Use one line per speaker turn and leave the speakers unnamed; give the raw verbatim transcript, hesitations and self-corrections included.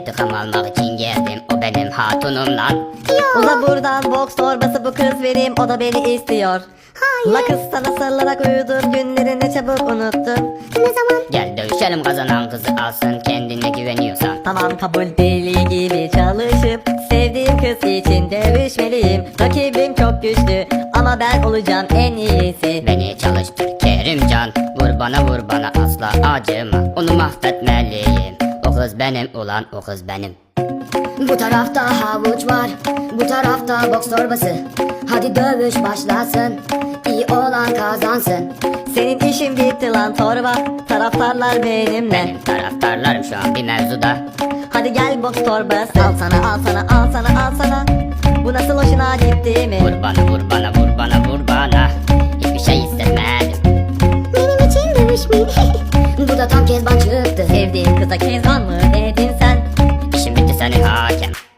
İntikam almak için geldim, o benim hatunum lan.
Uza buradan, boks torbası bu kız vereyim, o da beni istiyor.
Hayır.
La kız sana sarılarak uyudum, günlerini çabuk unuttum.
Ne zaman?
Gel dövüşelim, kazanan kızı alsın, kendine güveniyorsan.
Tamam kabul, deli gibi çalışıp sevdiğim kız için dövüşmeliyim. Rakibim çok güçlü ama ben olacağım en iyisi.
Beni çalıştır Kerimcan, vur bana vur bana, asla acıma, onu mahvetmeliyim. O kız benim ulan, o kız benim.
Bu tarafta havuç var, bu tarafta boks torbası. Hadi dövüş başlasın, iyi olan kazansın.
Senin işin bitti lan torba, taraftarlar benimle.
Benim taraftarlarım şu an bir mevzuda.
Hadi gel boks torbası, al sana al sana al sana al sana. Bu nasıl hoşuna gitti mi?
Vur bana vur bana vur bana vur bana, hiçbir şey hissetmedim.
Benim için dövüşmeyin.
Bu da tam kezban çıktı.
Sevdiğin kıza kezban mı dedin sen?
İşim bitti senin hakem.